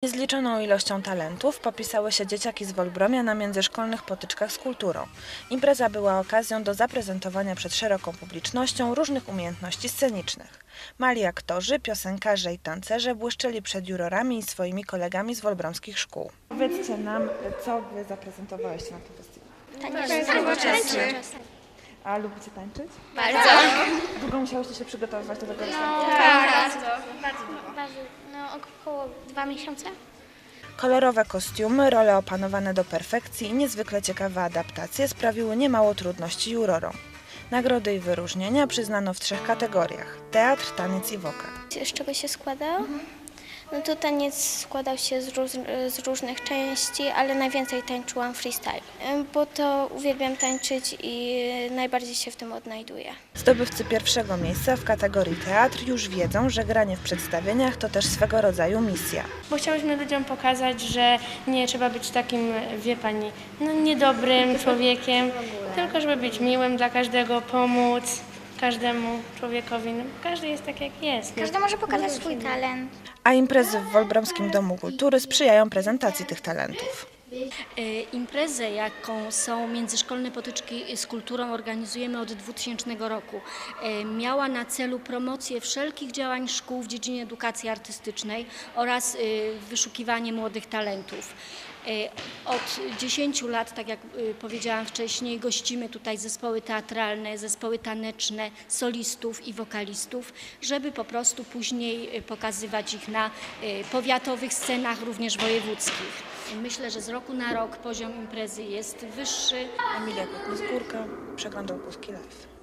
Niezliczoną ilością talentów popisały się dzieciaki z Wolbromia na międzyszkolnych potyczkach z kulturą. Impreza była okazją do zaprezentowania przed szeroką publicznością różnych umiejętności scenicznych. Mali aktorzy, piosenkarze i tancerze błyszczeli przed jurorami i swoimi kolegami z wolbromskich szkół. Powiedzcie nam, co wy zaprezentowaliście na tym festiwalu. Tańczyć. A lubicie tańczyć? Bardzo. Długo musiałyście się przygotowywać do tego festiwalu? Bardzo. Około 2 miesiące. Kolorowe kostiumy, role opanowane do perfekcji i niezwykle ciekawe adaptacje sprawiły niemało trudności jurorom. Nagrody i wyróżnienia przyznano w 3 kategoriach: teatr, taniec i wokal. Z czego się składał? No to taniec składał się z różnych części, ale najwięcej tańczyłam freestyle, bo to uwielbiam tańczyć i najbardziej się w tym odnajduję. Zdobywcy pierwszego miejsca w kategorii teatr już wiedzą, że granie w przedstawieniach to też swego rodzaju misja. Bo chciałyśmy ludziom pokazać, że nie trzeba być takim, wie pani, niedobrym człowiekiem, tylko żeby być miłym dla każdego, pomóc każdemu człowiekowi. Każdy jest tak, jak jest. Każdy może pokazać swój talent. A imprezy w Wolbromskim Domu Kultury sprzyjają prezentacji tych talentów. Imprezę, jaką są międzyszkolne potyczki z kulturą, organizujemy od 2000 roku. Miała na celu promocję wszelkich działań szkół w dziedzinie edukacji artystycznej oraz wyszukiwanie młodych talentów. Od 10 lat, tak jak powiedziałam wcześniej, gościmy tutaj zespoły teatralne, zespoły taneczne, solistów i wokalistów, żeby po prostu później pokazywać ich na powiatowych scenach, również wojewódzkich. Myślę, że z roku na rok poziom imprezy jest wyższy. Emilia Kotny-Skórka, Przegląd Opolski Live.